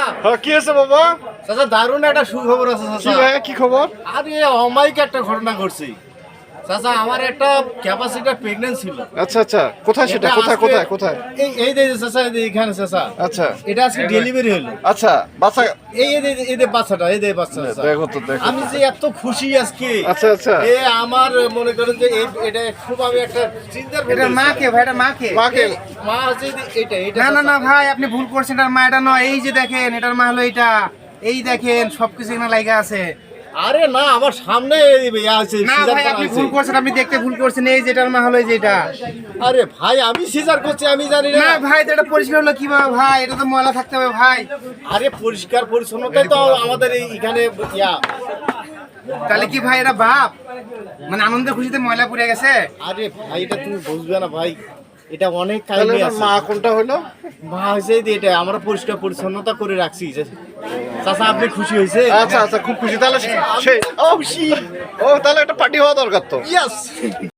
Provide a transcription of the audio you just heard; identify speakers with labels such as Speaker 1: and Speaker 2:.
Speaker 1: হ্যাঁ কি আছে বাবা?
Speaker 2: চাচা দারুণ একটা সুখবর আছে
Speaker 1: কি
Speaker 2: চাচা।
Speaker 1: ভাই কি খবর?
Speaker 2: আরে অমায়িক একটা ঘটনা ঘটছে চাচা। আমার একটা ক্যাপাসিটার প্রেগন্যান্ট ছিল।
Speaker 1: আচ্ছা আচ্ছা, কোথায় সেটা?
Speaker 2: এটা
Speaker 1: কোথায়
Speaker 2: আজকে-
Speaker 1: কোথায় কোথায়?
Speaker 2: এই যে চাচা, এই যে এখানে চাচা।
Speaker 1: আচ্ছা
Speaker 2: এটা আজকে ডেলিভারি হলো।
Speaker 1: আচ্ছা, বাচ্চা
Speaker 2: এই যে বাচ্চাটা, এই যে বাচ্চা চাচা।
Speaker 1: দেখো তো দেখো।
Speaker 2: আমি যে এত খুশি আজকে।
Speaker 1: আচ্ছা আচ্ছা,
Speaker 2: আমার মনে করেন যে এটা খুব আমি একটা চিন্তার
Speaker 3: এটা মা কে ভাই? এটা মা কে?
Speaker 1: মাকে
Speaker 2: মা হচ্ছে এটা এটা
Speaker 3: না না
Speaker 2: চাচা।
Speaker 3: না ভাই, আপনি ভুল করছেন। এটার মা এটা নয়। এই যে দেখেন, এটার মা হলো এটা। এই দেখেন সবকিছু এখানে লাগা আছে।
Speaker 2: আরে না, আমার সামনে আছে
Speaker 3: না
Speaker 2: সিজার
Speaker 3: ভাই,
Speaker 2: করা
Speaker 3: আপনি
Speaker 2: হয়েছে।
Speaker 3: ভুল করছেন, আপনি দেখতে ভুল করছেন। এই যে এটার মা হলো এই যে এটা।
Speaker 2: আরে ভাই, আমি সিজার করছি, আমি জানি
Speaker 3: না
Speaker 2: না।
Speaker 3: ভাই, তো এটা পরিষ্কার হলো কিভাবে ভাই? এটা তো ময়লা থাকতে হবে ভাই।
Speaker 2: আরে পরিষ্কার পরিচ্ছন্নতাই তো আমাদের এখানে ইয়া।
Speaker 3: তাহলে কি ভাই এটা বাপ? মানে আনন্দের খুশিতে ময়লা পুড়ে গেছে?
Speaker 2: আরে ভাই, এটা তুমি বুঝবে না ভাই, এটা অনেক
Speaker 1: তাহলে
Speaker 2: কাহিনী
Speaker 1: ওনার
Speaker 2: আছে।
Speaker 1: মা কোনটা হলো?
Speaker 2: মা হয়েছে যে এটা আমরা পরিষ্কার পরিচ্ছন্নতা করে রাখছি। চাচা আপনি খুশি হয়েছে?
Speaker 1: আচ্ছা আচ্ছা, খুব খুশি। তাহলে সেই ও তাহলে একটা পার্টি হওয়া দরকার তো।
Speaker 2: ইয়েস।